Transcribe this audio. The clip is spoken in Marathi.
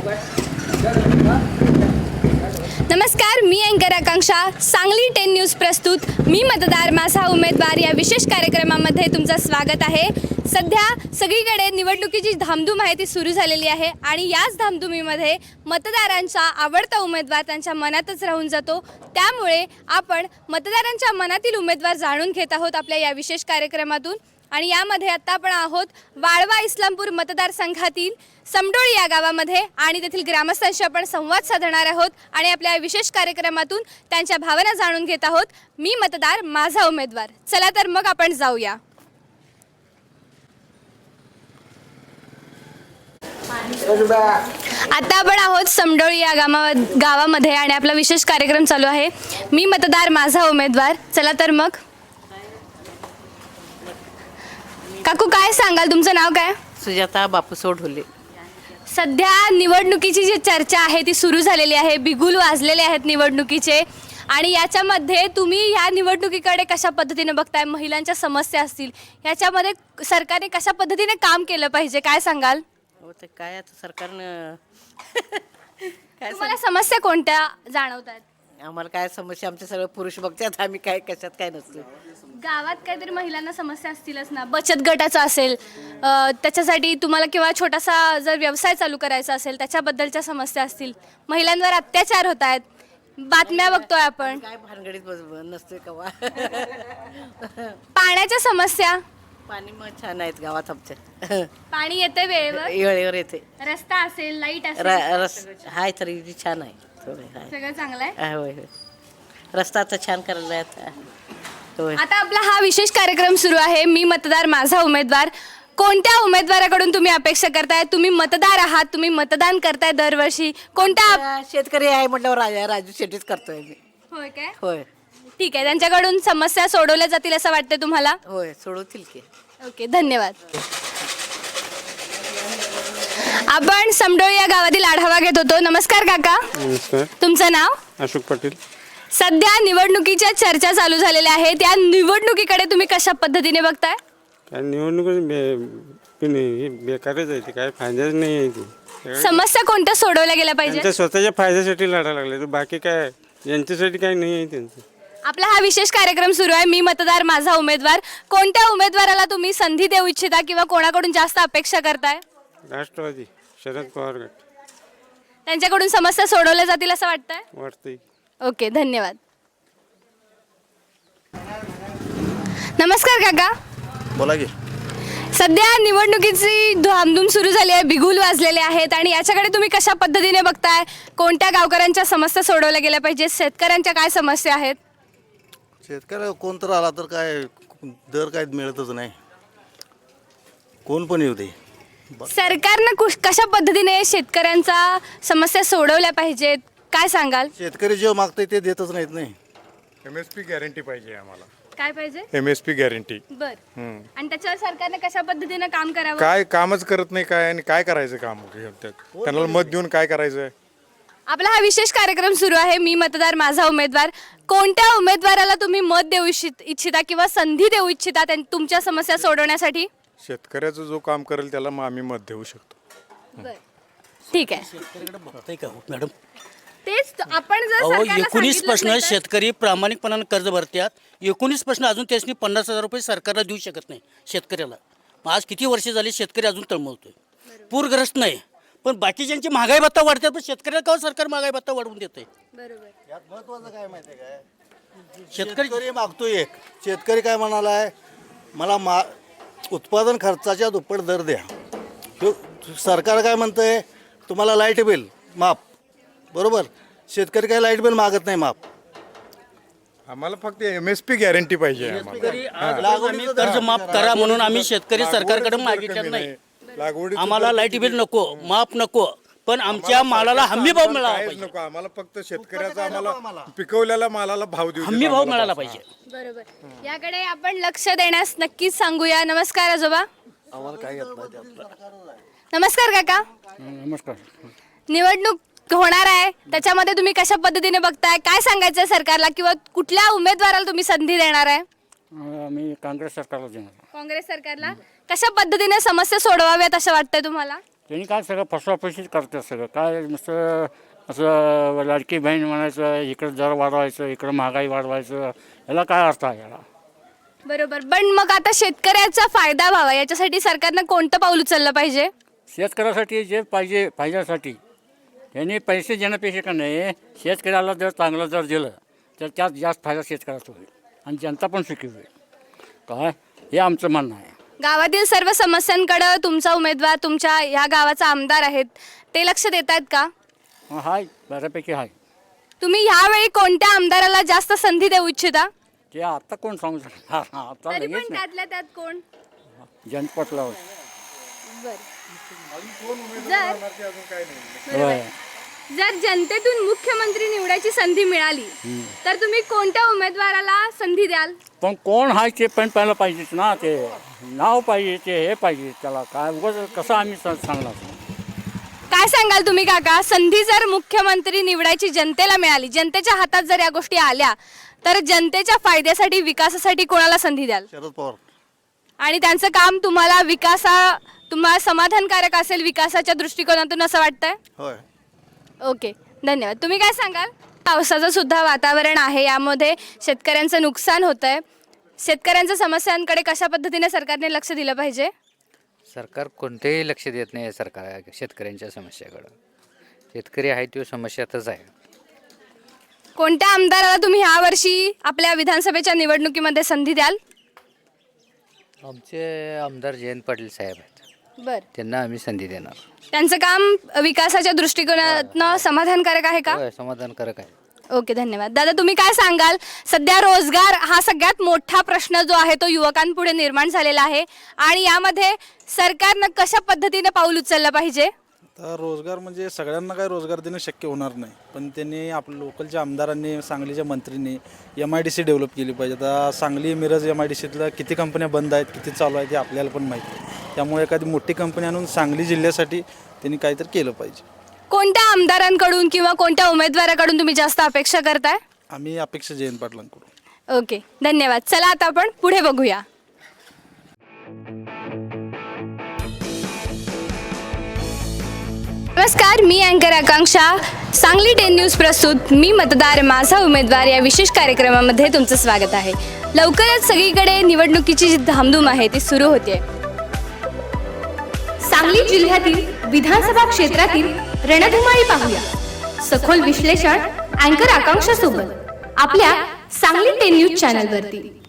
नमस्कार, मी अँकर आकांक्षा. सांगली 10 न्यूज प्रस्तुत मी मतदार माझा उमेदवार या विशेष कार्यक्रमामध्ये तुमचं स्वागत आहे. सध्या सगळीकडे निवडणुकीची धामधूम आहे ती सुरू झालेली आहे आणि याच धामधुमीमध्ये मतदारांचा आवडता उमेदवार त्यांच्या मनातच राहून जातो. त्यामुळे आपण मतदारांच्या मनातील उमेदवार जाणून घेत आहोत आपल्या या विशेष कार्यक्रमातून. आणि यामध्ये आता आपण आहोत वाळवा इस्लामपूर मतदारसंघातील समडोळी या गावामध्ये आणि तेथील ग्रामस्थांशी आपण संवाद साधणार आहोत आणि आपल्या विशेष कार्यक्रमातून त्यांच्या भावना जाणून घेत आहोत. मी मतदार माझा उमेदवार. चला तर मग आपण जाऊया. आता आपण आहोत समडोळी या गावामध्ये आणि आपला विशेष कार्यक्रम चालू आहे. मी मतदार माझा उमेदवार. चला तर मग. काकू, काय सांगाल, तुमचं नाव काय? सुजाता बापूसो ढोले. सध्या निवडणुकीची जी चर्चा आहे ती सुरू झालेली आहे. बिगुल वाजलेले आहेत निवडणुकीचे आणि याच्यामध्ये तुम्ही ह्या निवडणुकीकडे कशा पद्धतीने बघताय? महिलांच्या समस्या असतील, ह्याच्यामध्ये सरकारने कशा पद्धतीने काम केलं पाहिजे, काय सांगाल? हो, ते काय आता सरकारनं तुम्हाला समस्या कोणत्या जाणवतात? आम्हाला काय समस्या, आमचे सगळे पुरुष बघतात, आम्ही काय कशात काय नसतो. गावात काहीतरी महिलांना समस्या असतीलच ना, बचत गटाचा असेल, त्याच्यासाठी तुम्हाला किंवा छोटासा जर व्यवसाय चालू करायचा असेल त्याच्याबद्दलच्या समस्या असतील. महिलांवर अत्याचार होत आहेत, बातम्या बघतोय आपण. काय भानगडीत नसतोय कवा. पाण्याच्या समस्या. पाणी मग छान आहेत गावात आमच्या. पाणी येते वेळेवर, वेळेवर येते. रस्ता असेल, लाईट असेल, रस हाय तरी छान आहे. सगळं चांगलं आहे. होय होय, रस्ता आता छान करायला आता. होय. आता आपला हा विशेष कार्यक्रम सुरू आहे. मी मतदार माझा उमेदवार. कोणत्या उमेदवाराकडून तुम्ही अपेक्षा करताय? तुम्ही मतदार आहात, तुम्ही मतदान करताय दरवर्षी. कोणत्या? शेतकरी आहे म्हटल्यावर राजू शेट्टीच करतोय मी. होय काय? होय ठीक आहे, त्यांच्याकडून समस्या सोडवल्या जातील असं वाटतं तुम्हाला? होय, सोडवतील की. ओके, धन्यवाद. आपण समडोळी या गावातील आढावा घेत होतो. नमस्कार काका. नमस्कार. तुमचं नाव? अशोक पाटील. सध्या निवडणुकीच्या चर्चा चालू झालेल्या आहेत. त्या निवडणुकीकडे तुम्ही कशा पद्धतीने बघताय? काय निवडणूक बेकारच आहे, ती काय फायदाच नाही आहे. ती समस्या कोणत्या सोडवल्या गेल्या पाहिजे? त्यांच्या स्वतःच्या फायद्यासाठी लढायला लागले, तर बाकी काय यांच्यासाठी काय नाही आहे त्यांचं. आपला हा विशेष कार्यक्रम सुरू आहे. मी मतदार माझा उमेदवार. कोणत्या उमेदवाराला तुम्ही संधी देऊ इच्छिता किंवा कोणाकडून जास्त अपेक्षा करताय? राष्ट्रवादी शरद पवार गट. त्यांच्याकडून समस्या सोडवल्या जातील असं वाटतंय? वाटतंय. ओके, धन्यवाद. नमस्कार काका. बोला की. सध्या निवडणुकीची धामधूम सुरू झाली आहे, बिगुल वाजलेले आहेत आणि याच्याकडे तुम्ही कशा पद्धतीने बघताय? कोणत्या गावकऱ्यांच्या समस्या सोडवल्या गेल्या पाहिजे? शेतकऱ्यांच्या काय समस्या आहेत? शेतकऱ्याला कोण तर आला तर काय दर काय मिळतच नाही, कोण पण येऊ दे. सरकारनं कशा पद्धतीने शेतकऱ्यांचा समस्या सोडवल्या पाहिजेत, काय सांगाल? शेतकरी जे मागतंय ते देतच नाहीत. नाही, MSP गॅरंटी पाहिजे आम्हाला. काय पाहिजे? MSP guarantee. बर. आणि त्याच्यावर सरकारने कशा पद्धतीने काम करावं? काय कामच करत नाही काय, आणि काय करायचं काम त्यांना मत देऊन काय करायचं? आपला हा विशेष कार्यक्रम सुरू आहे. मी मतदार माझा उमेदवार. कोणत्या उमेदवाराला तुम्ही मत देऊ इच्छिता किंवा संधी देऊ इच्छिता तुमच्या समस्या सोडवण्यासाठी? शेतकऱ्याचं जो काम करेल त्याला मग आम्ही मत देऊ शकतो. ठीक आहे. बघताय का मॅडम? तेच आपण जर अहो, सरकारला 19 सांगितलंच प्रश्न नाही तर- शेतकरी प्रामाणिकपणाने कर्ज भरतात. 19 प्रश्न अजून त्यासनी 50,000 रुपये सरकारला देऊ शकत नाही शेतकऱ्याला. मग आज किती वर्ष झाली शेतकरी अजून तळमळतोय. पूरग्रस्त नाही, पण बाकीच्यांची महागाई भत्ता वाढतात, पण शेतकऱ्याला का सरकार महागाई भत्ता वाढवून देतंय? बरोबर. यात महत्वाचं काय माहिती आहे काय, शेतकरी शेतकरी मागतोय एक. शेतकरी काय म्हणालाय, मला उत्पादन खर्चाच्या दुप्पट दर द्या. तो सरकार काय म्हणतंय, तुम्हाला लाईट बिल माफ. बरोबर, शेतकरी काय लाईट बिल मागत नाही माफ. आम्हाला फक्त MSP गॅरंटी पाहिजे आम्हाला. शेतकरी आज आम्ही कर्ज माफ करा म्हणून आम्ही शेतकरी सरकारकडे मागितलं नाही. लागवडी आम्हाला लाईट बिल नको, माफ नको, पण आमच्या मालाला हमी भाव मिळाला पाहिजे. नको आम्हाला, फक्त शेतकऱ्याचा आम्हाला पिकवलेल्या मालाला भाव देऊ. हमी भाव मिळाला पाहिजे. बरोबर. याकडे आपण लक्ष देण्यास नक्कीच सांगूया. नमस्कार आजोबा. आम्हाला काय येत नाही त्यातलं. नमस्कार काका. नमस्कार. निवडणूक होणार आहे, त्याच्यामध्ये तुम्ही कशा पद्धतीने बघताय? काय सांगायचं सरकारला किंवा कुठल्या उमेदवाराला तुम्ही संधी देणार आहे? मी काँग्रेस सरकारला देणार. काँग्रेस सरकारला. कशा पद्धतीने समस्या सोडवाव्यात असं वाटतंय तुम्हाला? त्यांनी काय सगळं फसवाफशीच करतात सगळं काय नुसतं असं लाडकी बहीण म्हणायचं, इकडं दर वाढवायचं, इकडं महागाई वाढवायचं, याला काय अर्थ आहे याला? बरोबर, पण मग आता शेतकऱ्याचा फायदा व्हावा याच्यासाठी सरकारनं कोणतं पाऊल उचललं पाहिजे? शेतकऱ्यासाठी जे पाहिजेसाठी त्यांनी पैसे देण्यापेक्षा का नाही, शेतकऱ्याला जर चांगलं जर दिलं तर त्यात जास्त फायदा शेतकऱ्याचा होईल आणि जनता पण सुखी होईल. काय हे आमचं म्हणणं आहे. गावातील सर्व समस्यांकडे तुमचा उमेदवार, तुमच्या ह्या गावाचा आमदार आहेत, ते लक्ष देत आहेत का? हाय, बऱ्यापैकी आहे. तुम्ही ह्यावेळी कोणत्या आमदाराला जास्त संधी देऊ इच्छिता? ते आता कोण सांगू शकणार? आता तरी लगेच पण नाही. त्यातल्या त्यात कोण? जनपटलावर जर जर जनतेतून मुख्यमंत्री निवडायची संधी मिळाली तर तुम्ही कोणत्या उमेदवाराला संधी द्याल? पण कोण आहे ते पण पहिलं पाहिजेच ना, ते नाव पाहिजे, ते हे पाहिजे, त्याला काय उगाच कसं आम्ही सांगणार? काय सांगाल तुम्ही काका, संधी जर मुख्यमंत्री निवडायची जनतेला मिळाली, जनतेच्या हातात जर या गोष्टी आल्या तर जनतेच्या फायद्यासाठी, विकासासाठी कोणाला संधी द्याल? शरद पवार. आणि त्यांचं काम तुम्हाला समाधानकारक असेल विकासाच्या दृष्टिकोनातून असं वाटतंय? होय. ओके, धन्यवाद. तुम्ही काय सांगाल? पावसाचं सुद्धा वातावरण आहे, यामध्ये शेतकऱ्यांचं नुकसान होतं आहे. शेतकऱ्यांच्या समस्यांकडे कशा पद्धतीने सरकारने लक्ष दिलं पाहिजे? सरकार कोणतेही लक्ष देत नाही सरकार शेतकऱ्यांच्या समस्याकडं. शेतकरी आहे तो समस्यातच आहे. कोणत्या आमदाराला तुम्ही ह्यावर्षी आपल्या विधानसभेच्या निवडणुकीमध्ये संधी द्याल? आमचे आमदार जयंत पाटील साहेब आहेत, बर, त्यांना आम्ही संधी देणार. त्यांचं काम विकासाच्या दृष्टिकोनातनं समाधानकारक आहे का? होय, समाधानकारक आहे. ओके, धन्यवाद. दादा, तुम्ही काय सांगाल? सध्या रोजगार हा सगळ्यात मोठा प्रश्न जो आहे तो युवकांपुढे निर्माण झालेला आहे आणि यामध्ये सरकारनं कशा पद्धतीने पाऊल उचललं पाहिजे? तर रोजगार म्हणजे सगळ्यांना काय रोजगार देणं शक्य होणार नाही, पण त्यांनी आपल्या लोकलच्या आमदारांनी, सांगलीच्या मंत्रींनी MIDC डेव्हलप केली पाहिजे. आता सांगली मिरज MIDCतल्या किती कंपन्या बंद आहेत, किती चालू आहेत हे आपल्याला पण माहिती आहे. त्यामुळे एखादी मोठी कंपनी आणून सांगली जिल्ह्यासाठी त्यांनी काहीतरी केलं पाहिजे. कोणत्या आमदारांकडून किंवा कोणत्या उमेदवाराकडून तुम्ही जास्त अपेक्षा करताय? आम्ही अपेक्षा जयंत पाटलांकडून. ओके, धन्यवाद. चला आता आपण पुढे बघूया. नमस्कार, मी अँकर आकांक्षा. सांगली 10 न्यूज प्रस्तुत मी मतदार माझा उमेदवार या विशेष कार्यक्रमामध्ये तुमचं स्वागत आहे. लवकरच सगळीकडे निवडणुकीची जी धामधूम आहे ती सुरू होते. सांगली जिल्ह्यातील विधानसभा क्षेत्रातील रणधुमाळी पाहूया. सखोल विश्लेषण अँकर आकांक्षा सोबत आपल्या सांगली 10 न्यूज चॅनलवरती.